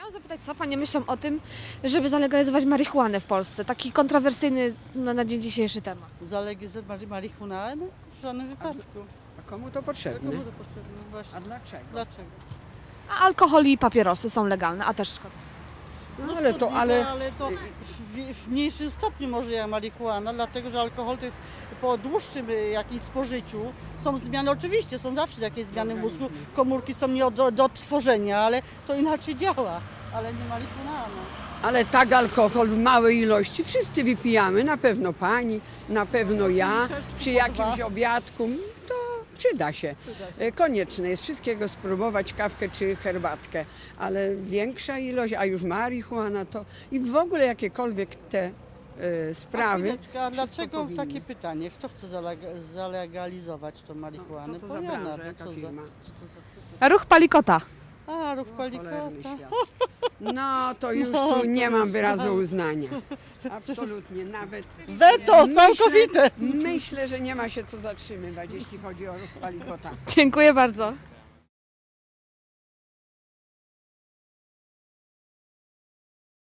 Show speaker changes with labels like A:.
A: Chciałam zapytać, co panie myślą o tym, żeby zalegalizować marihuanę w Polsce? Taki kontrowersyjny na dzień dzisiejszy temat.
B: Zalegalizować marihuanę? W żadnym wypadku.
C: A komu to potrzebne?
B: Komu to potrzebne? Właśnie.
C: A dlaczego?
B: Dlaczego?
A: A alkohol i papierosy są legalne, a też szkodliwe.
C: No ale
B: to w mniejszym stopniu może jak marihuana, dlatego że alkohol to jest po dłuższym jakimś spożyciu. Są zmiany, oczywiście są zawsze jakieś zmiany w mózgu, komórki są nie do odtworzenia, ale to inaczej działa, ale nie marihuana.
C: Ale tak alkohol w małej ilości wszyscy wypijamy, na pewno pani, na pewno ja, przy jakimś obiadku, to przyda się. Konieczne jest wszystkiego spróbować, kawkę czy herbatkę, ale większa ilość, a już marihuana to i w ogóle jakiekolwiek te sprawy.
B: A dlaczego takie pytanie? Kto chce zalegalizować tą marihuanę?
C: Co to za branża, jaka
B: Co za-
C: firma?
A: Ruch Palikota.
B: A, ruch
C: Cholerny
B: Palikota.
C: świat. No to już tu nie mam wyrazu uznania. Absolutnie, nawet
B: Weto, całkowite!
C: myślę, że nie ma się co zatrzymywać, jeśli chodzi o ruch Palikota.
A: Dziękuję bardzo.